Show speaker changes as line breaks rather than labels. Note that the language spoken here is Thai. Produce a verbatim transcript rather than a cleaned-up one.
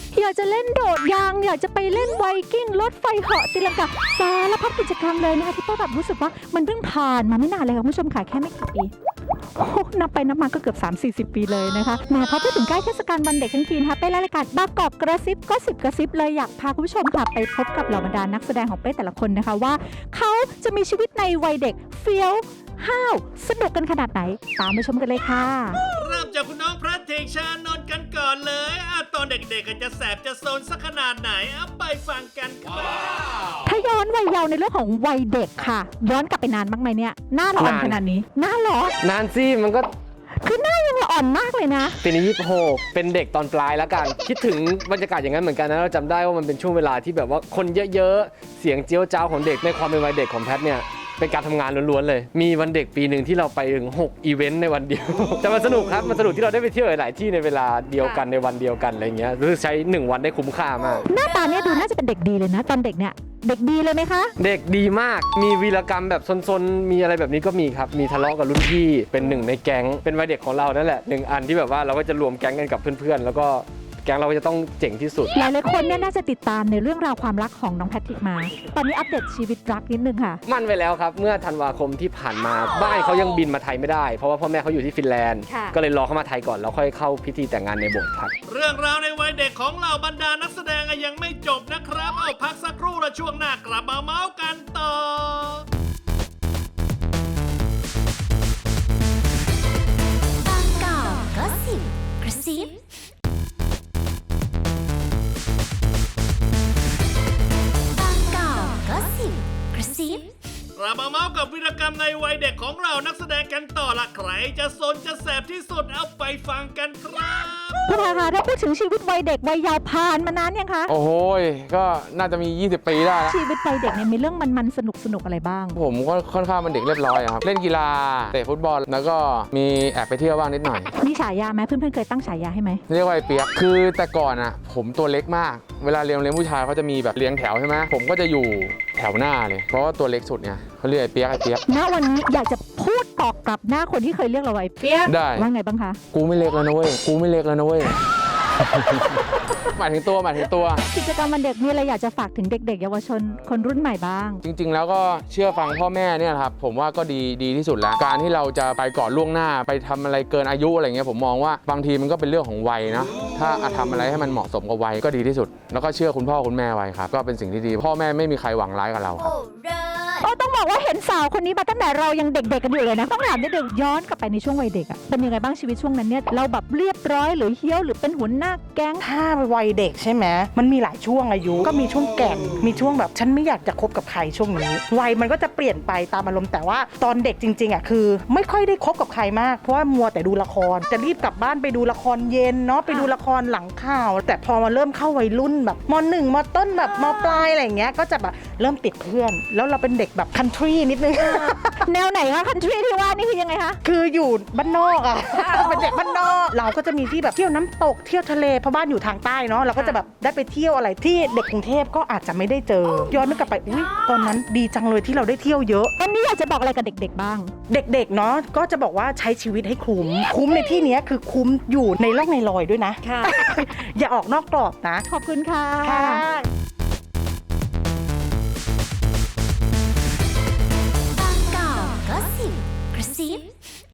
อยากจะเล่นโดดยางอยากจะไปเล่นไวกิ้งรถไฟเหาะตีลังกาสารพัดกิจกรรมเลยนะคะที่ป้าแบบรู้สึกว่ามันเพิ่งผ่านมาไม่นานเลยค่ะคุณผู้ชมค่ะแค่ไม่กี่ปีโอ้นับไปนับมาก็เกือบ สามถึงสี่สิบ ปีเลยนะคะแหมพอพูดถึงใกล้เทศกาลวันเด็กทั้งทีนะคะเป้และรายการบางกอกกระซิบก็สิบกระซิบเลยอยากพาคุณผู้ชมค่ะไปพบกับเหล่าบรรดานักแสดงของเป้แต่ละคนนะคะว่าเขาจะมีชีวิตในวัยเด็กเฟี้ยวห้าวสนุกกันขนาดไหนตามไปชมกันเลยค่ะ
เริ่มจากคุณน้องพระเทกชานนท์กันก่อนเลยอ่ะตอนเด็กๆจะแสบจะโซนสักขนาดไหนเอาไปฟังกันครับ
ถ้าย้อนวัยเยาว์ในเรื่องของวัยเด็กค่ะย้อนกลับไปนานมากไหมเนี่ยหน้าละอ่อนขนาดนี้หน้าหรอน
านสิมันก็
คือหน้ายังละอ่อนมากเลยนะ
ปีนี้ยี่สิบหกเป็นเด็กตอนปลายแล้วกันคิดถึงบรรยากาศอย่างนั้นเหมือนกันนะเราจำได้ว่ามันเป็นช่วงเวลาที่แบบว่าคนเยอะๆเสียงเจี๊ยวจ้าวของเด็กในความเป็นวัยเด็กของแพทเนี่ยเป็นการทำงานล้วนๆเลยมีวันเด็กปีหนึ่งที่เราไปถึงหกอีเวนต์ในวันเดียว แต่มันสนุกครับมันสนุกที่เราได้ไปเที่ยวหลายๆที่ในเวลาเดียวกันในวันเดียวกันอะไรเงี้ยรู้สึกใช้หนึ่งวันได้คุ้มค่ามาก
หน้าตาเนี่ยดูน่าจะเป็นเด็กดีเลยนะตอนเด็กเนี่ยเด็กดีเลยไหมคะ
เด็กดีมากมีวีรกรรมแบบซนๆมีอะไรแบบนี้ก็มีครับมีทะเลาะกับรุ่นพี่เป็นหนึ่งในแก๊งเป็นวัยเด็กของเรานั่นแหละหนึ่งอันที่แบบว่าเราก็จะรวมแก๊งกันกับเพื่อนๆแล้วก็แก๊งเราก็จะต้องเจ๋งที่สุด
หลายๆคนเนี่ยน่าจะติดตามในเรื่องราวความรักของน้องแพทริกมาตอนนี้อัปเดตชีวิตรักนิดนึงค่ะ
มั่นไปแล้วครับเมื่อธันวาคมที่ผ่านมาบ้านเขายังบินมาไทยไม่ได้เพราะว่าพ่อแม่เขาอยู่ที่ฟินแลนด์ก็เลยรอเขามาไทยก่อนแล้วค่อยเข้าพิธีแต่งงานในโบสถ์ครับ
เรื่องราวในวัยเด็กของเหล่าบรรดานักแสดงยังไม่จบนะครับเอาพักสักครู่และช่วงหน้ากลับมาเมาส์กันต่อบางกอกก็สิบกระซิบเรามาเมาส์กับวีรกรรมในวัยเด็กของเรานักแสดงกันต่อละใครจะสนจะแสบที่สุดเอาไปฟังกันครับ
คุณอาคะถ้าพูดถึงชีวิตวัยเด็กวัยเยาว์ผ่านมานานยังคะ
โอ้โหก็น่าจะมียี่สิบปีได้แล้ว
ชีวิตวัยเด็กเนี่ยมีเรื่องมันๆสนุกสนุกอะไรบ้าง
ผมก็ค่อนข้างเป็นเด็กเรียบร้อยครับเล่นกีฬาเตะฟุตบอลแล้วก็มีแอบไปเที่ยวบ้างนิดหน่อย
มีฉายาไหมเพื่อนๆเคยตั้งฉายาให้ไหม
เรียกว่าไอ้เปียกคือแต่ก่อนอ่ะผมตัวเล็กมากเวลาเรียนเรียนผู้ชายเขาจะมีแบบเรียงแถวใช่ไหมผมก็จะอยู่แถวหน้าเลยเพราะว่าตัวเล็กสุดเนี่ยเขาเรียกไอ้เปียกไอ้เปียก
ณวันนี้อยากจะพูดตอบกลับหน้าคนที่เคยเรียกเราไอ้เปียก
ได้
ว่าไงบ้างคะ
กูไม่เล็กแล้วนะเว้ยกูไม่เล็กแล้วนะเว้ยหมายถึงตัวหมายถึงตัว
กิจกรรมวันเด็กมีอะไรอยากจะฝากถึงเด็กๆเยาวชนคนรุ่นใหม่บ้าง
จริงๆแล้วก็เชื่อฟังพ่อแม่เนี่ยครับผมว่าก็ดีดีที่สุดแล้วการที่เราจะไปก่อนล่วงหน้าไปทำอะไรเกินอายุอะไรเงี้ยผมมองว่าบางทีมันก็เป็นเรื่องของวัยนะถ้าทำอะไรให้มันเหมาะสมกับวัยก็ดีที่สุดแล้วก็เชื่อคุณพ่อคุณแม่ไว้ครับก็เป็นสิ่งที่ดีพ่อแม่ไม่มีใครหวังร้ายกับเราครับ
โอ้ต้องบอกว่าเห็นสาวคนนี้มาตั้งแต่เรายังเด็กๆกันอยู่เลยนะต้องถามนิดนึงย้อนกลับไปในช่วงวัยเด็กอะเป็นยังไงบ้างชีวิตช่วงนั้นเนี่ยเราแบบเรียบร้อยหรือเฮี้ยวหรือเป็นหัวหน้าแก๊ง
ถ้าวัยเด็กใช่ไหมมันมีหลายช่วงอายุก็มีช่วงแก่นมีช่วงแบบฉันไม่อยากจะคบกับใครช่วงนี้วัยมันก็จะเปลี่ยนไปตามอารมณ์แต่ว่าตอนเด็กจริงๆอะคือไม่ค่อยได้คบกับใครมากเพราะว่ามัวแต่ดูละครจะรีบกลับบ้านไปดูละครเย็นเนาะไปดูละครหลังข่าวแต่พอมาเริ่มเข้าวัยรุ่นแบบม.หนึ่ง ม.ต้นแบบม.ปลายอะไรอย่างเงี้ยก็จะแบบเริ่มติดเพื่อนแล้วเราเป็นเด็กแบบคันทรีนิดนึง
แนวไหนคะคันทรีที่ว่านี่คือยังไงคะ
คืออยู่บ้านนอกอ่ะเป็นเด็กบ้านนอกเราก็จะมีที่แบบเที่ยวน้ำตกเที่ยวทะเลเพราะบ้านอยู่ทางใต้เนาะเราก็จะแบบได้ไปเที่ยวอะไรที่เด็กกรุงเทพก็อาจจะไม่ได้เจอย้อนนึกกลับไปอุ้ยตอนนั้นดีจังเลยที่เราได้เที่ยวเยอะ
อันนี้อยากจะบอกอะไรกับเด็กๆบ้าง
เด็กๆเนาะก็จะบอกว่าใช้ชีวิตให้คุ้มคุ้มในที่นี้คือคุ้มอยู่ในร่องในรอยด้วยนะอย่าออกนอกกรอบนะ
ขอบคุณค่ะ
กระซิบ